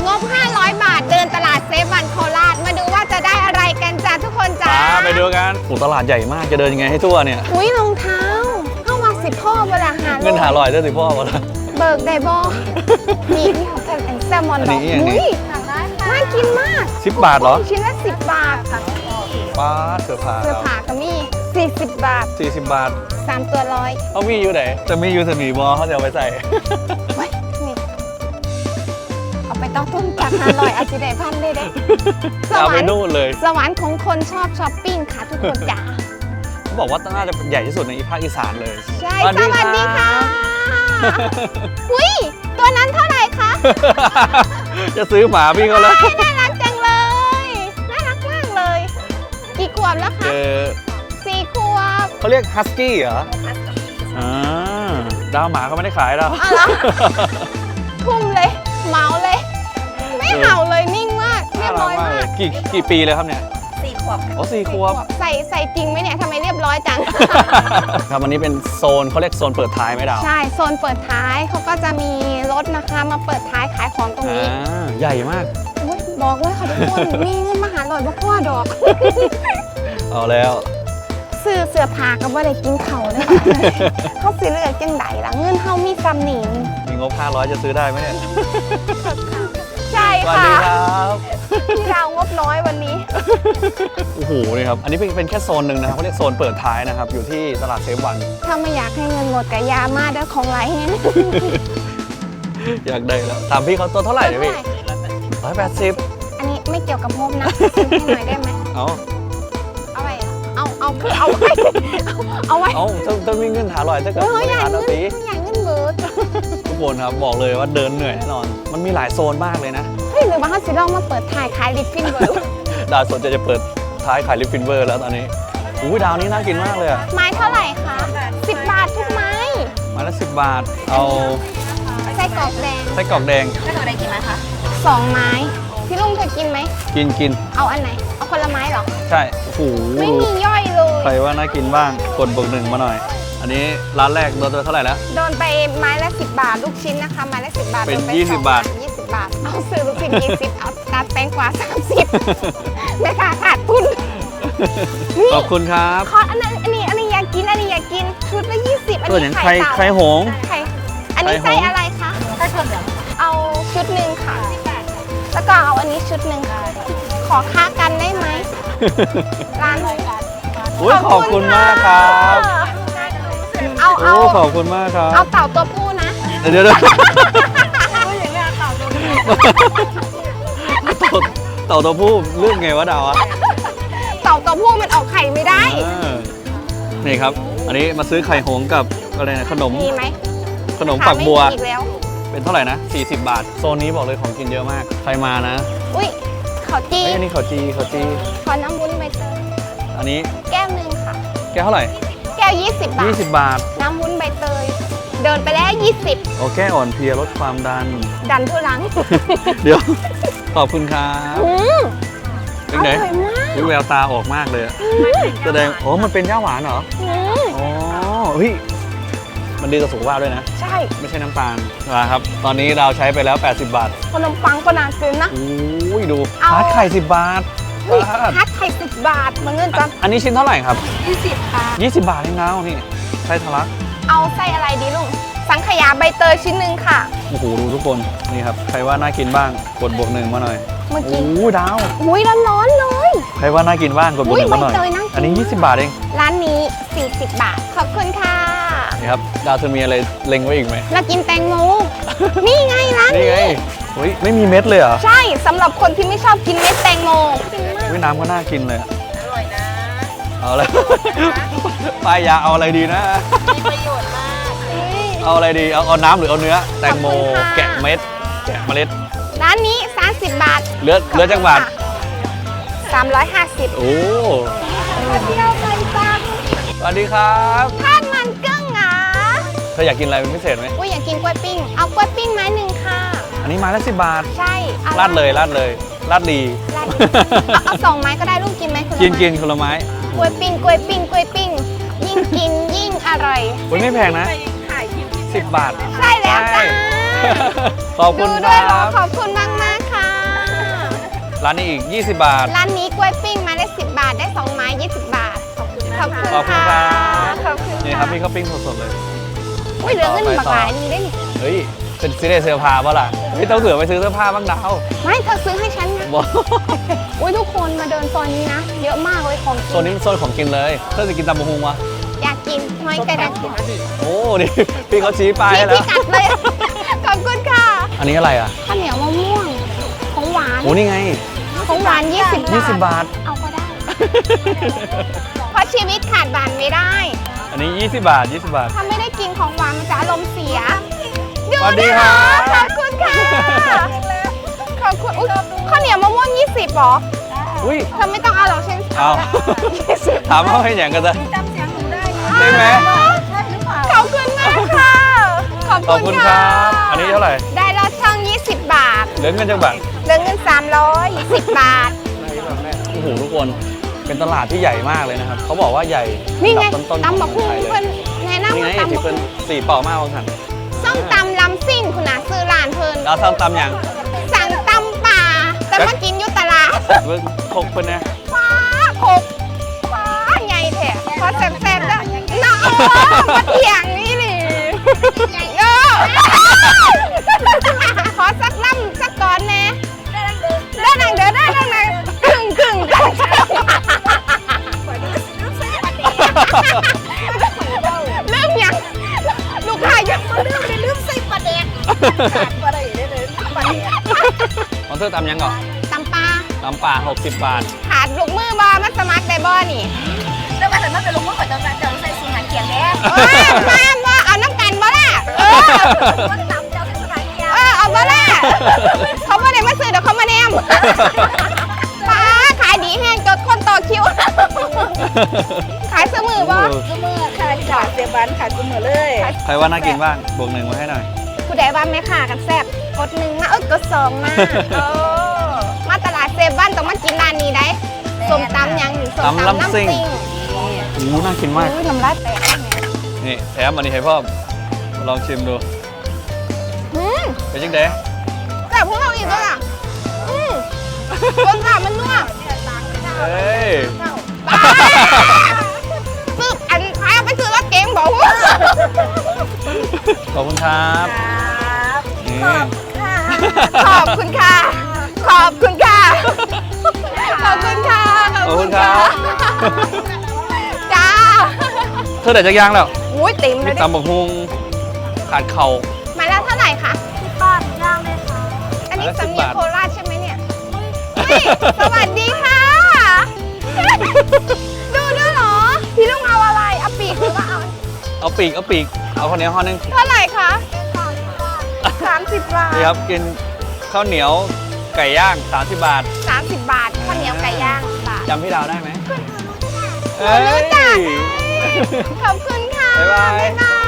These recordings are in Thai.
งบ500 บาทเดินตลาดเซฟวันโคราชมาดูว่าจะได้อะไรกันจ้าทุกคนจ้าไปดูกันโอ้ตลาดใหญ่มากจะเดินยังไงให้ทั่วเนี่ยอุ้ยรองเท้าเข้ามา10 พ่อเวลาหาเงินหาลอยได้สิพ่อมาแล้วเบิกไดบอนี่เขาเป็นแซลมอนดอกอุ้ยน่ากินมาก 10 บาทเหรอชิ้นละ10 บาทค่ะป้าเสื้อผ้าก็มี40 บาท 40 บาท 3 ตัว100 เอามีอยู่ไหนจะมีอยู่สมีบอเขาจะเอาไปใส่นี่เอาไปต้องต้นจาก500อาจิเดพันเลยเด้เอาไปนู่นเลยสวรรค์ของคนชอบช้อปปิ้งค่ะทุกคนจ้าเขาบอกว่าน่าจะใหญ่ที่สุดในภาคอีสานเลยใช่สวัสดีค่ะอุ้ยตัวนั้นเท่าไหร่คะจะซื้อหมาพี่เขาแล้วน่ารักจังเลยน่ารักมากเลยกี่ขวบแล้วคะ4 ขวบเขาเรียกฮัสกี้เหรอดาวหมาเขาไม่ได้ขายเราทุ่มเลยเมาเลยไม่เห่าเลยนิ่งมากเรียบร้อยมากกี่ปีเลยครับเนี่ย 4 ขวบอ๋อ4 ขวบใส่จริงไหมเนี่ยทำไมเรียบร้อยจังครับวันนี้เป็นโซนเขาเรียกโซนเปิดท้ายไหมดาวใช่โซนเปิดท้ายเขาก็จะมีรถนะคะมาเปิดท้ายขายของตรงนี้ใหญ่มากบอกเลยค่ะทุกคนมีเงินมาหาลอยพ่อดอกเอาแล้วซื้อเสื้อผ้าก็ไม่ได้กินเขาเลยเขาซื้อเลือกจังไดล่ะเงินเขามีซ้ำหนิงมีงบ500จะซื้อได้ไหมเนี่ยใช่ค่ะสวัสดีครับที่เรางบน้อยวันนี้โอ้โหนี่ครับอันนี้เป็นแค่โซนหนึ่งนะครับเขาเรียกโซนเปิดท้ายนะครับอยู่ที่ตลาดเซฟวันถ้าไม่อยากให้เงินหมดกับยามาเด้อของไรเงี้ยอยากได้แล้วตามพี่เขาตัวเท่าไหร่เนี่ยพี่180 อันนี้ไม่เกี่ยวกับงบนะซื้อให้หน่อยได้ไหมเอาไว้คือเอาไว้ต้องมีเงินหาลอยถ้าเกิดไม่หาเราตีอย่างเงินเบิร์ดทุกคนครับบอกเลยว่าเดินเหนื่อยแน่นอนมันมีหลายโซนมากเลยนะเฮ้ยหรือว่าเขาสิลองมาเปิดถ่ายขายลิปฟินเวอร์ดาวสนใจจะเปิดท้ายขายลิปฟินเวอร์แล้วตอนนี้ดาวนี้น่ากินมากเลยอะไม้เท่าไหร่คะ10 บาททุกไม้ละ10 บาทเอาไส้กรอกแดงไส้กรอกแดงกี่ไม้คะ2 ไม้พี่ลุงเธอกินไหมกินเอาอันไหนเอาคนละไม้หรอใช่โอ้โหไม่มีย่อยเลยใครว่าน่ากินบ้างกด+1มาหน่อยอันนี้ร้านแรกโดนไปเท่าไหร่แล้วโดนไปไม้ละ10 บาทลูกชิ้นนะคะไม้ละ10 บาทเป็น20 บาทเอาซื้อลูกชิ้น20เอาตัดแตงกวา30แม่ค้าขาดทุนขอบคุณครับขออันนี้อยากกินชุดละ20อันนี้ไข่หงอันนี้ไส้อะไรคะไส้ถั่วเหลืองเอาชุดหนึ่งค่ะแล้วก็เอาอันนี้ชุดหนึ่งขอค่ากันได้ไหมร้านขอบคุณมากครับเอาขอบคุณมากครับเอาเต่าตัวผู้นะเดี๋ยวเต่าตัวผู้เรื่องไงวะดาวอะเต่าตัวผู้มันออกไข่ไม่ได้นี่ครับอันนี้มาซื้อไข่หงกับอะไรนะขนมมีไหมขนมปักบัวเป็นเท่าไหร่นะ40 บาทโซนนี้บอกเลยของกินเยอะมากใครมานะอุ้ยข้าวจีอันนี้ข้าวจีขอน้ำวุ้นใบเตยอันนี้แก้วนึงค่ะแก้วเท่าไหร่แก้ว20 บาท 20 บาทน้ำวุ้นใบเตยเดินไปแล้ว20 โอ้แก้อ่อนเพลียลดความดันทุลังเดี๋ยวขอบคุณครับเป็นไงวิแววตาออกมากเลยแสดงมันเป็นย่าหวานเหรอเฮ้ยมันดีต่อสุขภาพด้วยนะใช่ไม่ใช่น้ำตาลนะครับตอนนี้เราใช้ไปแล้ว80 บาทขนมปังก็น่ากินนะดูฮาร์ดไข่10 บาทฮาร์ดไข่10 บาทมันเงินจังอันนี้ชิ้นเท่าไหร่ครับ 20ค่ะ 20 บาทเองนะนี่ไส้ทะลักเอาไส้อะไรดีลุงสังขยาใบเตยชิ้นหนึ่งค่ะโอ้โหดูทุกคนนี่ครับใครว่าน่ากินบ้างกด+1มาหน่อยเมื่อกี้ดาวร้อนเลยใครว่าน่ากินบ้างกด+1มาหน่อยอันนี้20 บาทเองร้านนี้40 บาทขอบคุณค่ะนี่ครับดาวเธอมีอะไรเล็งไว้อีกไหมเรากินแตงโมนี่ไงร้านนี้ไม่มีเม็ดเลยเหรอใช่สำหรับคนที่ไม่ชอบกินเม็ดแตงโมน้ำก็น่ากินเลยอร่อยนะเอาเลยป้ายยาเอาอะไรดีนะมีประโยชน์มากเอาอะไรดีเอาน้ำหรือเอาเนื้อแตงโมแกะเม็ดแกะเมล็ดร้านนี้30 บาทเหลือจังบาท 350 โอ้เที่ยวไปจังสวัสดีครับทอดมันกุ้งอ่ะเธออยากกินอะไรเป็นพิเศษไหมอยากกินกล้วยปิ้งเอากล้วยปิ้งไม้หนึ่งค่ะอันนี้ไม้ละ10 บาทใช่ราดเลยราดดีเอา2 ไม้ก็ได้ลูกกินไหมกินคนละไม้กล้วยปิ้งยิ่งกินยิ่งอร่อยไม่แพงนะ10 บาทใช่แล้วจ้าขอบคุณครับขอบคุณมากค่ะร้านนี้อีก 20 บาทร้านนี้กล้วยปิ้งไม้ละ10 บาทได้2ไม้20 บาท ขอบคุณขอบคุณค่ะครับขอบคุณนี่ครับพี่เขาปิ้งสดๆเลยอุ้ยเหลือเงินบักหลายนึงได้นี่เฮ้ยเป็นซื้อได้เสื้อผ้าป่ะล่ะพี่ต้องเสือไปซื้อเสื้อผ้าบ้างดาวไม่เธอซื้อให้ฉันนะบอกอุ้ยทุกคนมาเดินโซนนี้นะ เยอะมากเลยของโซกินนี้เป็นโซนของกินเลยเธอจะกินตำบักหุ่งวะอยากกินหอยกระดาษโอ้นี่พี่เขาชี้ไปายพี่ให้แล้วกัดเลย ขอบคุณค่ะอันนี้อะไรอ่ะข้าวเหนียวมะม่วงของหวานโอ้นี่ไงของหวาน20 20 บาทเอาก็ได้ เพราะชีวิตขาดหวานไม่ได้อันนี้ 20 บาท 20 บาทถ้าไม่ได้กินของหวานมันจะอารมณ์เสียสวัสดีครับขอบคุณค่ะ ขอบคุณอุ๊ยข้าวเหนียวมะม่วง20หรออุ้ยเธอไม่ต้องเอาหรอกฉันเอาถามเขาให้อย่างกันเลยใช่ไหมขอบคุณมากค่ะขอบคุณครับ อันนี้เท่าไหร่ได้รอดช่อง20 บาทเหลือเงินจังบาทเหลือเงิน310 บาทโอ้โหทุกคนเป็นตลาดที่ใหญ่มากเลยนะครับเขาบอกว่าใหญ่นี่ไงอันดับต้นๆตำบักขอหุ่งไทยเลเพิ่ยนแนะนำนี่ไงว่าตำที่บักเพิ่นหุ่ง 4 เป่ามากบางทันส้มตำลำซิ่งคุณน่ะซื้อร้านเพิ่นแล้วตำอย่างสั่งตำป่า แต่มากินอยู่ตลาดเพิ่งคกเพิ่นนะฟ้าขบฟ้าใหญ่แท้พอแซ่บๆแล้วน่ามาเถียงนี่นี่เออขอสักล่ำสักก้อนแน่ได้ดังเด้อได้ดังไหนกึ่งเริ่มยังลูกค้ายังเริ่มใส่ปลาแดกของเธอตำยังก่อนตำปลาตำป่า60 บาทขาดลูกมือบอมาสมัครได้บอนี่แล้วก็แต่มันเป็นลุงก็ขอจะใส่สูทหางเกียงแดงมาเอาน้ำกันบ่ล่ะมันตำเจ้าใส่สูทหางเกียงเอาบ่ล่ะเขาไม่ได้มาซื้อเดี๋ยวเขามาแนมป้าขายดีแห้งจดคนต่อคิว ขายเสมอบ่ก็มือค่ะจ่าเสียบันค่ะก็มือเลยใครว่าน่ากินบ้างบวก1มาให้หน่อยผู้ใดว่าแม่ค้ากันแซ่บกด1มากด2มามาตลาดเซฟบ้านต้องมากินร้านนี้ได้ส้มตำยังอยู่ส้มตำน้ำซิ่งโอ้น่ากินมากน้ำลายแตกนี่แถมอันนี้ให้พ่อลองชิมดู เป็นจังได๋แต่พวกเราอีกแล้วอ่ะรสชาติมันนัวเฮ้ยซื้ออันขายเอาไปซื้อรถเก๋งบอกขอบคุณครับนี่ขอบคุณค่ะ ขอบคุณค่ะ ขอบคุณค่ะขอบคุณครับจ้าเธอได้จักอย่างแล้วอุ้ยเต็มเลมียตำบักฮุงขาดเข่ามาแล้วเท่าไหร่คะป้อนย่างเลยค่ะอันนี้มาแล้วสำเนียง 10 บาทโคราชใช่ไหมเนี่ยเฮ้ยสวัสดีค่ะ ดูด้วยเหรอ พี่ลุงเอาอะไร เอาปีกหรือว่าเอาเอาปีก เอาข้าวเหนียวห่อหนึงเท่าไหร่คะ30 บาทนี่ครับ กินข้าวเหนียวไก่ย่าง 30 บาท 30 บาทข้าวเหนียวไก่ย่างบาทจำพี่ดาวได้ไหมรู้จัก ขอบคุณค่ะบ๊ายบายบ๊ายบาย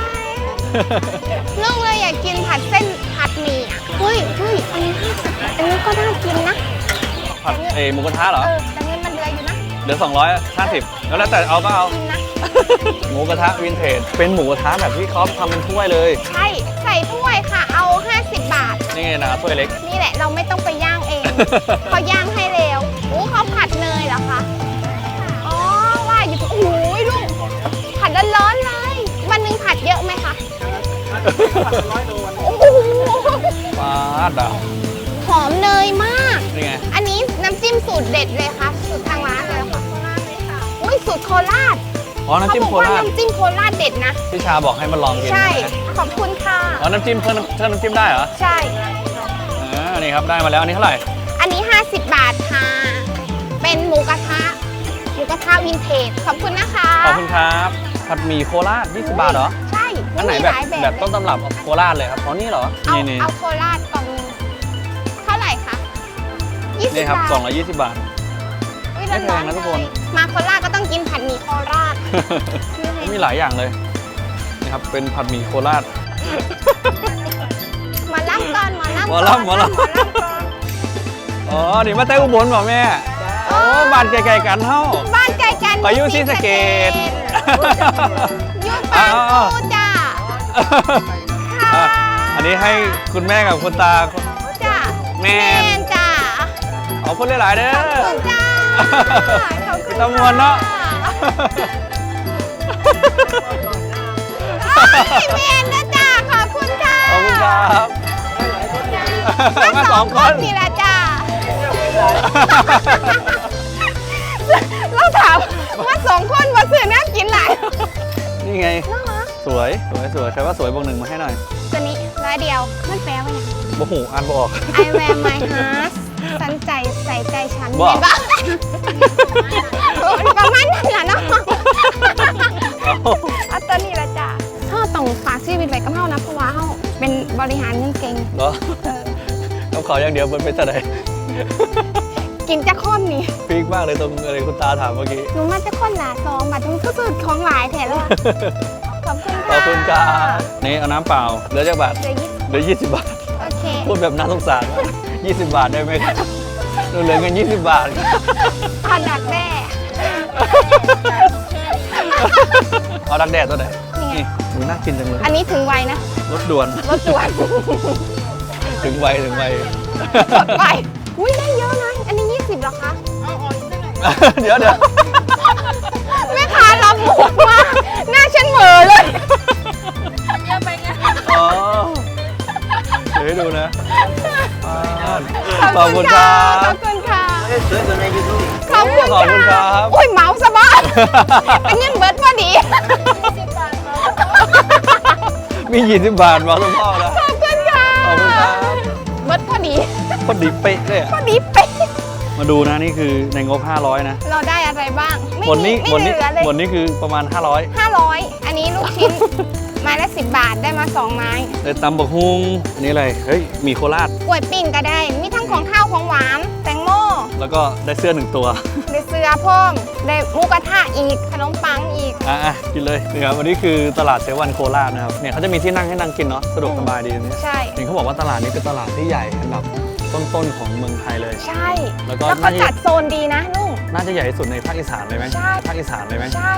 ลุงเลยอยากกินผัดเส้นผัดหมี่อ่ะเฮ้ยอันนี้50 อันนี้ก็น่ากินนะผัดหมูกระทะเหรอแต่เงินมันเหลืออยู่นะเดี๋ยว250แล้วแต่เอาก็เอากินนะหมูกระทะวินเทจ เป็นหมูกระทะแบบที่เขาทำเป็นถ้วยเลยใช่ ใส่ถ้วยค่ะ เอา 50 บาทนี่นะถ้วยเล็กนี่แหละเราไม่ต้องไปย่างเอง เขาย่างให้เร็วโอ้เขาผัดเนยเหรอคะ อ๋อ ว่าอยู่โอ้โหลุงผัดร้อนๆเลย วันหนึ่งผัดเยอะไหมคะโอ้โหปาดอ่ะหอมเนยมากนี่ไงอันนี้น้ำจิ้มสูตรเด็ดเลยค่ะ สูตรทางร้านเลยค่ะอุ้ยสูตรโคราชอ๋อ น้ำจิ้มเขาโคบอกว่าราชน้ำจิ้มโคราชเด็ดนะพี่ชาบอกให้มาลองกินใช่ไหมขอบคุณค่ะอ๋อ น้ำจิ้มเพิ่มน้ำจิ้มได้เหรอใช่นี่ครับ ได้มาแล้ว อันนี้เท่าไหร่อันนี้ 50 บาทค่ะ เป็นหมูกระทะวินเทจ ขอบคุณนะคะขอบคุณครับ ผัดหมี่โคราช 20 บาทเหรอใช่อันไหนมีแบบลายแบบต้นตำรับโคราชเลยครับอ๋อนี่เหรอเอานี่เอาโคราชกล่องนึงเท่าไหร่คะ20 นี่ครับบาทกล่องละ20 บาทอุ๊ยไม่แพงนะทุกคนมาโคราชก็ต้องกินผัดหมี่โคราชมีหลายอย่างเลย นี่ครับ เป็นผัดหมี่โคราชมาล่ำก่อนมาล่ำหมอลำหมอลำก่อนอ๋อ นี่มาแต่อุบลเปล่าแม่ โอ้บ้านไกลๆกันเฮ้าบ้านใกล้กันขออยู่ศรีสะเกษอยู่ปางกูจ้าอ่ะอันนี้ให้คุณแม่กับคุณตาจ้าแม่จ้าเอาขอบคุณหลายๆเด้อขอบคุณจ้าขอบคุณตำมวนเนาะเมียนนะจ้าขอบคุณค่ะขอบคุณครับมาสองคนนี่แหละจ้าเราถามว่า2 คนมาซื้อน้ำกินหลายนี่ไงน่ารักสวยใครว่าสวยบอกหนึ่งมาให้หน่อยตัวนี้ร้อยเดียวมันแปลว่าไงบ่หูอ่านบ่ออก I wear my heart สันใจใส่ใจฉันบอกเห็นปะประมาณนั้นแหละเนาะเอาตัวนี้ละจ้าเขาต้องฝากชีวิตไว้กับเขานะเพราะว่าเขาเป็นบริหารเงินเก่งเหรอต้องขออย่างเดียวมันเป็นอะไรกินจะค้อนนี่พีคมากเลยตรงอะไรคุณตาถามเมื่อกี้หนูมาจะค้อนหลาซองบัดนี้ก็สุดของหลายแถมเลยขอบคุณค่ะขอบคุณครับนี่เอาน้ำเปล่าเหลือจากบาทเดี๋ยวยิบเหลือ20 บาทโอเคพูดแบบน่าสงสาร20 บาทได้ไหมครับเราเหลือเงิน20 บาทผ่านดักแด้เอาดักแดดตัวไหนนี่ไงนี่มันน่ากินจังเลยอันนี้ถึงไวนะรถด่วนรถด่วนถึงไวไวอุ้ยได้เยอะนะ อันนี้20เหรอคะเดี๋ยวแม่ค้ารับหมูมากหน้าฉันเหม่อเลยมันเยอะไปไงอ๋อเดี๋ยวให้ดูนะขอบคุณครัขบอบคุณค่ะขอบคุณครับอุ้ยเมาสบายเป็นเงินเบิร์ดพอดีมี20 บาทมาสมพ่อแล้วขอบคุณค่ะขอบคุณครับเบิร์ดพอดีพอดีเป๊ะเลยอะพอดีเป๊ะมาดูนะนี่คือในงบ 500 นะเราได้อะไรบ้าง ไม่หมดนี้ไม่เหลือเลยหมดนี้คือประมาณ 500 500 อันนี้ลูกชิ้น ไม้ละ10 บาทได้มา 2 ไม้เลยตำบักฮุงอันนี้อะไร เฮ้ย มีโคราชกล้วยปิ้งก็ได้ มีทั้งของข้าวของหวาน แตงโมแล้วก็ได้เสื้อ1 ตัวได้เสื้อพ่อมได้หมูกระทะอีก ขนมปังอีกอ่ะกินเลยนี่ครับวันนี้คือตลาดเซวันโคราชนะครับ เนี่ยเขาจะมีที่นั่งให้นั่งกินเนาะ สะดวกสบายดีเนี่ยใช่เห็นเขาบอกว่าตลาดนี้เป็นตลาดที่ใหญ่อันดับต้นๆของเมืองไทยเลยใช่แล้วก็แล้วก็จัดโซนดีนะนุ่งน่าจะใหญ่ที่สุดในภาคอีสานเลยไหมใช่ภาคอีสานเลยไหมใช่